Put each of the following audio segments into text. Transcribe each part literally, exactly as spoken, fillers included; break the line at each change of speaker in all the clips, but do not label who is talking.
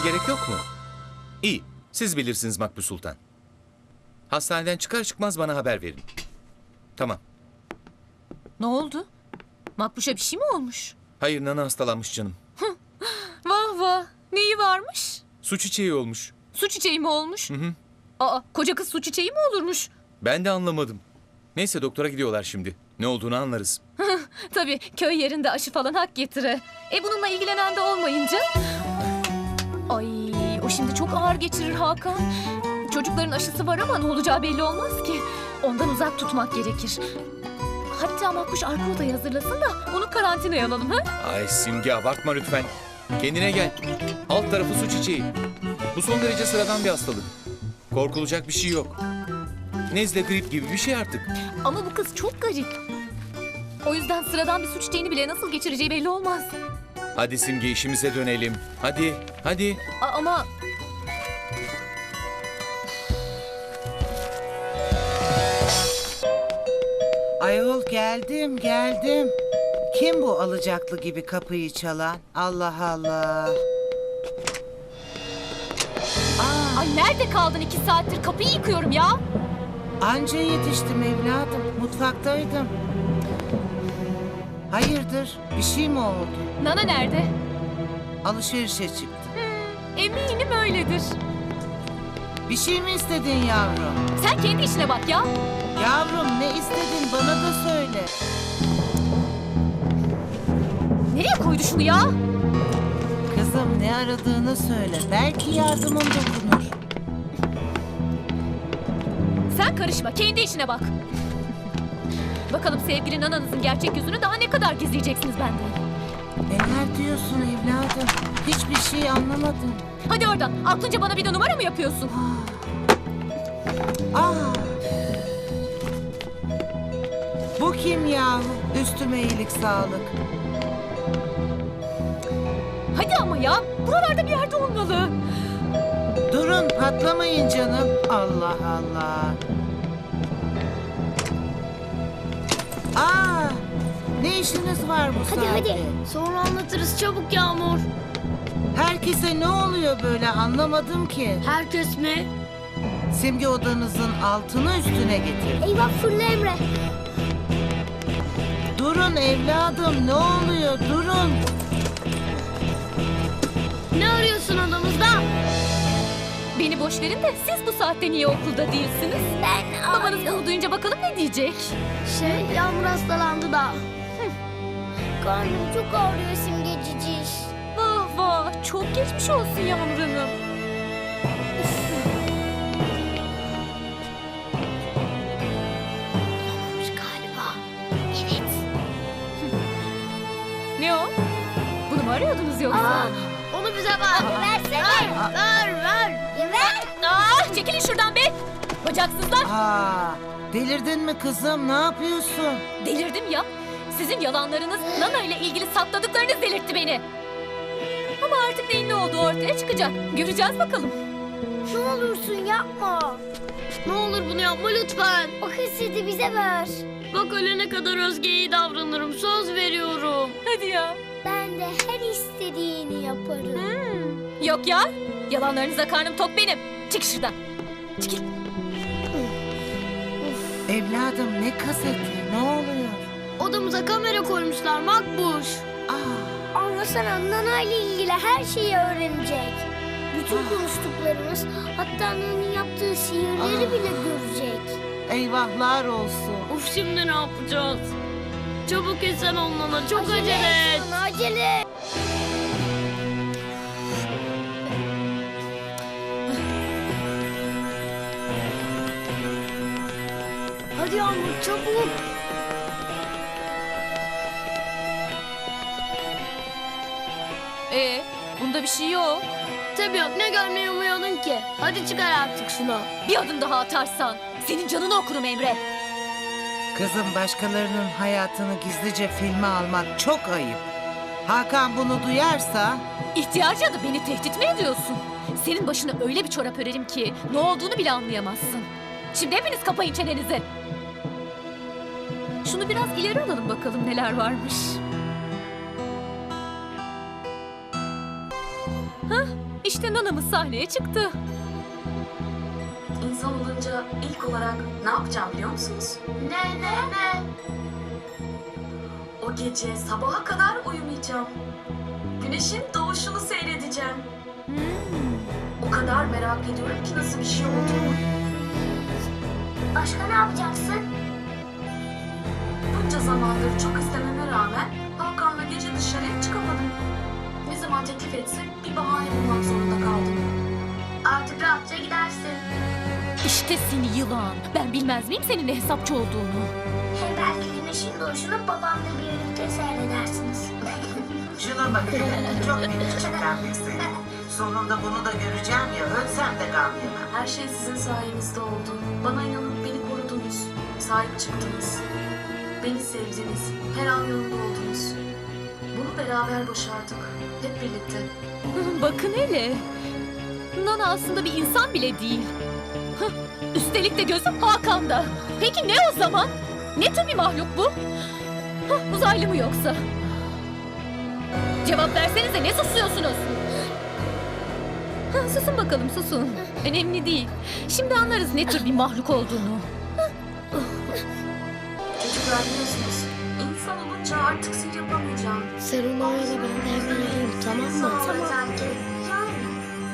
gerek yok mu? İyi, siz bilirsiniz Makbul Sultan. Hastaneden çıkar çıkmaz bana haber verin. Tamam.
Ne oldu? Makbuş'a bir şey mi olmuş?
Hayır, Nana hastalanmış canım.
Vah vah. Neyi varmış?
Su çiçeği olmuş.
Su çiçeği mi olmuş?
Hı hı.
Aa, koca kız su çiçeği mi olurmuş?
Ben de anlamadım. Neyse doktora gidiyorlar şimdi. Ne olduğunu anlarız.
Tabii köy yerinde aşı falan hak getire. E bununla ilgilenen de olmayınca... Ay o şimdi çok ağır geçirir Hakan. Çocukların aşısı var ama ne olacağı belli olmaz ki. Ondan uzak tutmak gerekir. Hatta Makbuş arka odayı hazırlasın da onu karantinaya alalım ha?
Ay Simge, abartma lütfen. Kendine gel. Alt tarafı su çiçeği. Bu son derece sıradan bir hastalık. Korkulacak bir şey yok. Nezle, grip gibi bir şey artık.
Ama bu kız çok garip. O yüzden sıradan bir su çiçeğini bile nasıl geçireceği belli olmaz.
Hadi Simge, işimize dönelim. Hadi, hadi.
A- ama...
Ayol geldim geldim. Kim bu alacaklı gibi kapıyı çalan? Allah Allah. Aa,
Ay nerede kaldın iki saattir? Kapıyı yıkıyorum ya.
anca yetiştim evladım. Mutfaktaydım. Hayırdır? Bir şey mi oldu?
Nana nerede?
Alışverişe çıktı.
Eminim öyledir.
Bir şey mi istedin yavrum?
Sen kendi işine bak ya.
Yavrum ne istedin bana da söyle.
Nereye koydu şunu ya?
Kızım ne aradığını söyle. Belki yardımım dokunur.
Sen karışma, kendi işine bak. Bakalım sevgili nananızın gerçek yüzünü daha ne kadar gizleyeceksiniz benden?
Neler diyorsun evladım? Hiçbir şey anlamadım.
Hadi oradan, aklınca bana bir de numara mı yapıyorsun?
Aa! Bu kim yahu? Üstüme iyilik sağlık.
Hadi ama ya, buralarda bir yerde olmalı.
Durun patlamayın canım. Allah Allah. Aa! Ne işiniz var bu
Hadi
saatte?
hadi. Sonra anlatırız çabuk Yağmur.
Herkese ne oluyor böyle anlamadım ki.
Herkes mi?
Simge odanızın altını üstüne getir.
Eyvah fırla Emre.
Durun evladım ne oluyor durun.
Ne arıyorsun odamızda?
Beni boş verin de siz bu saatte niye okulda değilsiniz?
Ben
Babanız bunu duyunca bakalım ne diyecek?
Şey Yağmur hastalandı da. Karnım çok ağrıyor Simge ciciş.
Vah vah, çok geçmiş olsun Yağmur Hanım.
Olmuş galiba. Evet.
Ne o? Bunu mu arıyordunuz yoksa?
Aa, onu bize ver. Versene. Ver, ver, ver. Ya ver.
Ah, çekilin şuradan be! Bacaksızlar!
Aa, delirdin mi kızım ne yapıyorsun?
Delirdim ya. Sizin yalanlarınız, Nana ile ilgili sakladıklarınız delirtti beni. Ama artık neyin ne olduğu ortaya çıkacak. Göreceğiz bakalım.
Ne olursun yapma. Ne olur bunu yapma lütfen. O kaseti bize ver. Bak ölene kadar Özge'ye iyi davranırım. Söz veriyorum.
Hadi ya.
Ben de her istediğini yaparım.
Hmm. Yok ya. Yalanlarınıza karnım tok benim. Çık şuradan. Çekil.
Evladım ne kaseti ne oluyor?
Odamıza kamera koymuşlar Makbuş.
Aa,
Ama sana Nana ile ilgili her şeyi öğrenecek. Bütün konuştuklarımız, hatta Nana'nın yaptığı sihirleri
Ah.
bile görecek.
eyvahlar olsun.
Of şimdi ne yapacağız? Çabuk etsen olmana çok acele,
et.
et.
Sana acele et. Hadi Yağmur çabuk.
Ee, bunda bir şey yok.
Tabii yok ne görmeyi umuyordun ki? Hadi çıkar artık şunu.
Bir adım daha atarsan senin canını okurum Emre.
Kızım başkalarının hayatını gizlice filme almak çok ayıp. Hakan bunu duyarsa...
İhtiyarca da beni tehdit mi ediyorsun? Senin başına öyle bir çorap örerim ki ne olduğunu bile anlayamazsın. Şimdi hepiniz kapayın çenenizi. Şunu biraz ileri alalım bakalım neler varmış. Hah, İşte nanamız sahneye çıktı.
İnsan olunca ilk olarak ne yapacağım biliyor musunuz?
Ne ne ne?
O gece sabaha kadar uyumayacağım. Güneşin doğuşunu seyredeceğim. O kadar merak ediyorum ki nasıl bir şey olduğunu.
Başka ne yapacaksın?
Bunca zamandır çok istememe rağmen Hakan'la gece dışarıya çıkamadım. Ne zaman teklif etse bir bahane bulmak zorunda kaldım.
Artık rahatça gidersin.
İşte seni yılan. Ben bilmez miyim senin ne hesapçı olduğunu?
Hem belki güneşin doğuşunu babamla birlikte seyredersiniz.
Şuna bak hele, çok küçükten seni. Sonunda bunu da göreceğim ya, ölsem de gam yemem.
Her şey sizin sayenizde oldu. Bana inanıp beni korudunuz. Sahip çıktınız. Beni sevdiniz. Her an yanımda oldunuz. Bunu beraber başardık. Hep birlikte.
Bakın hele. Nana aslında bir insan bile değil. Hıh, üstelik de gözü Hakan'da. Peki ne o zaman? Ne tür bir mahluk bu? Hıh, uzaylı mı yoksa? Cevap versenize, ne susuyorsunuz? Hıh, susun bakalım, susun. Önemli değil. Şimdi anlarız ne tür bir mahluk olduğunu.
Çocuklar biliyorsunuz. İnsan olunca artık sihir yapamayacağım.
Sen onu öyle ben de evlenelim, tamam mı? Tamam.
Yani.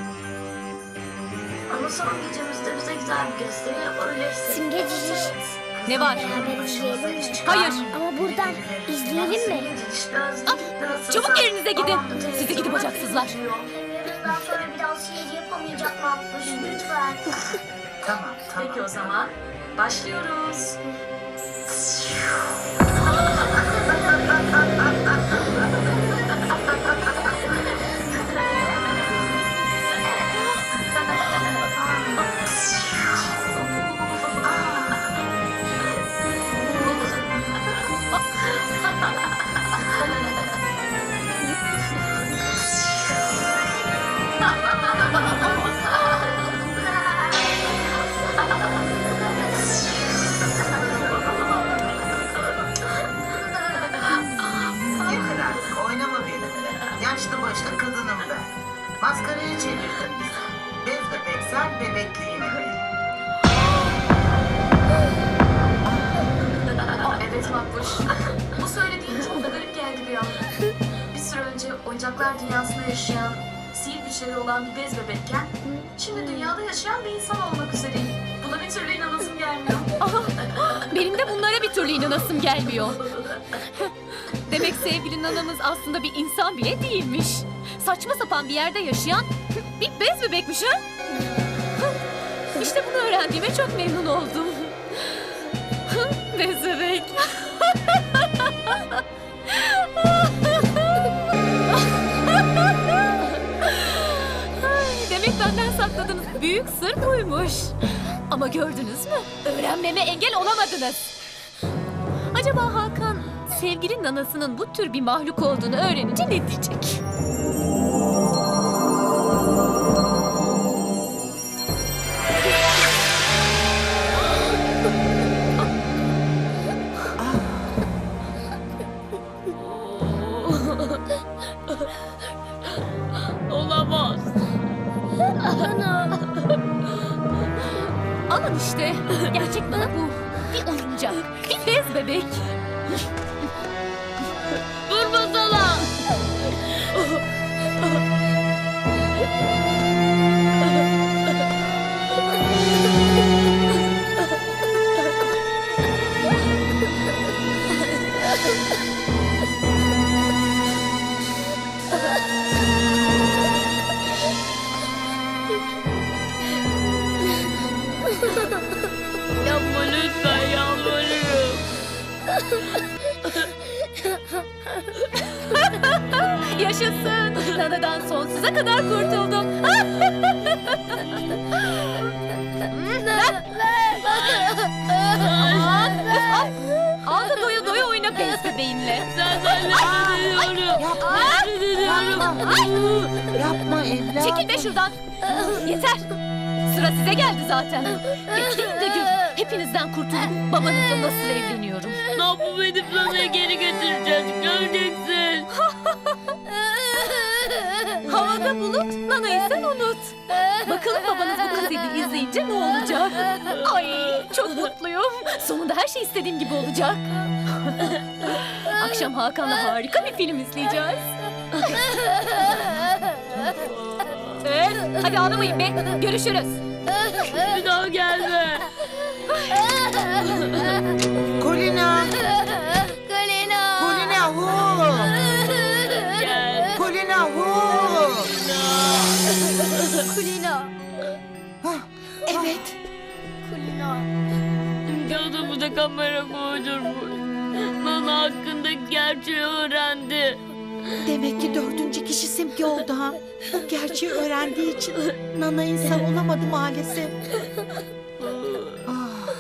Ama son gecemizde bize güzel bir gösteri yapabilirsin.
Simgecici.
Ne var?
Beraber izleyelim mi?
Hayır.
Ama buradan izleyelim mi?
Çabuk yerinize gidin. Sizi gidi bacaksızlar.
Bundan sonra bir daha sihir yapamayacak Makbuş, lütfen.
Tamam, tamam.
Peki o zaman başlıyoruz.
Yeter artık, oynama benimle. Yaşlı başlı kadınım ben. Maskaraya çevirdin bizi. Bez bebek sen, bebekliğini ver.
Evet Makbuş. Bu söylediğin çok da garip geldi bir an. Bir süre önce oyuncaklar dünyasında yaşayan, sihir güçleri olan bir bez bebekken, şimdi dünyada yaşayan bir insan olmak üzereyim. Buna bir türlü inanasım gelmiyor.
Benim de bunlara bir türlü inanasım gelmiyor. Demek sevgili nanamız aslında bir insan bile değilmiş. Saçma sapan bir yerde yaşayan bir bez bebekmiş ha? İşte bunu öğrendiğime çok memnun oldum. Bez bebek. Ay, demek benden sakladığınız büyük sır buymuş. Ama gördünüz mü? Öğrenmeme engel olamadınız. Acaba Hakan sevgili nanasının bu tür bir mahluk olduğunu öğrenince ne diyecek?
Olamaz.
Alın işte. Gerçek nana bu. Bir oyuncak. Bir bez bebek.
Vurmasana. Yapma lütfen, yalvarırım.
Yaşasın. Nanadan sonsuza kadar kurtuldum. Aman, al, al da doya doya oyna bez bebeğinle.
Senden nefret ediyorum.
Yapma,
Nefret ediyorum.
yapma evladım.
Çekil be şuradan. Yeter. Sıra size geldi zaten. Bekleyin de gör. Hepinizden kurtulup babanızla nasıl evleniyorum.
Ne yapıp edip Nana'ya geri getireceğiz. Göreceksin.
Havada Hatırla Bulut, Nana'yı sen unut. Bakalım babanız bu kaseti izleyince ne olacak? Ay çok mutluyum. Sonunda her şey istediğim gibi olacak. Akşam Hakan'la harika bir film izleyeceğiz. Evet, hadi ağlamayın be. Görüşürüz.
Bir daha gelme.
Kulina.
Kulina.
Kulina hu.
Gel.
Kulina hu.
Kulina.
Evet.
Kulina.
Canımı da kamera koydurmuş. Nana hakkındaki gerçeği öğrendi.
Demek ki dördüncü kişi Simge oldu ha. O gerçeği öğrendiği için Nana insan olamadı maalesef. Ah.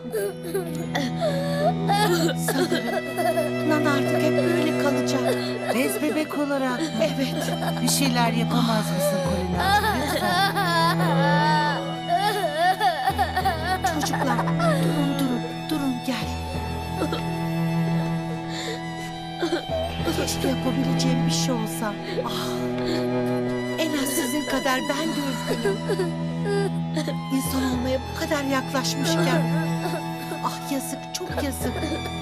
Sanırım Nana artık hep böyle kalacak.
Bez bebek olarak
Evet.
bir şeyler yapamaz mısın Kulina?
Çocuklar durun durun durun gel. Keşke yapabileceğim bir şey olsa. Ah. En az sizin kadar ben de üzgünüm. İnsan olmaya bu kadar yaklaşmışken. Ah yazık, çok yazık.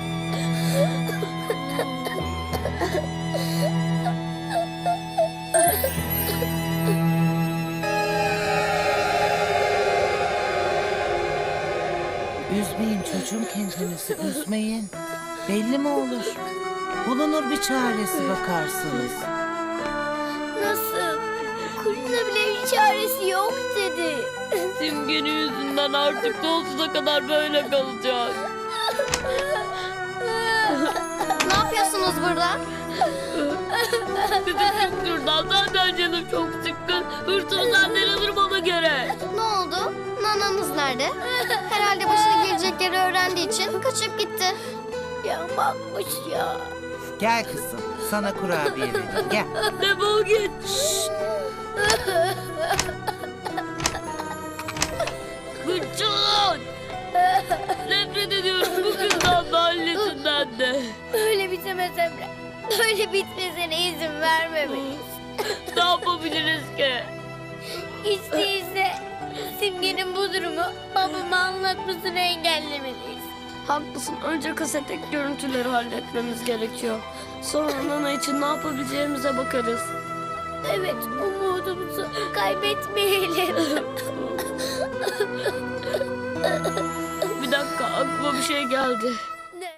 Üzmeyin çocuğum kendinizi, üzmeyin. Belli mi olur? Bulunur bir çaresi bakarsınız.
Nasıl? Kulina bile bir çaresi yok dedi.
Simge'nin yüzünden artık sonsuza kadar böyle kalacak.
Ne yapıyorsunuz burada?
Bizi çık şuradan. Zaten canım çok sıkkın. Hırsımı senden alırım ona göre.
Ne oldu? Nananız nerede? Herhalde başına gelecekleri öğrendiği için kaçıp gitti. Ya bakmış ya.
Gel kızım, sana kurabiye vereyim. Gel.
Defol git. Gıçın. Nefret ediyorum bu kızdan da annesinden de.
Böyle bitemez Emre. Böyle bitmesine izin vermemeliyiz.
Ne yapabiliriz ki?
Hiç değilse Simge'nin bu durumu babama anlatmasını engellemeliyiz.
Haklısın. Önce kasetteki görüntüleri halletmemiz gerekiyor. Sonra Nana için ne yapabileceğimize bakarız.
Evet, umudumuzu kaybetmeyelim.
Bir dakika aklıma bir şey geldi.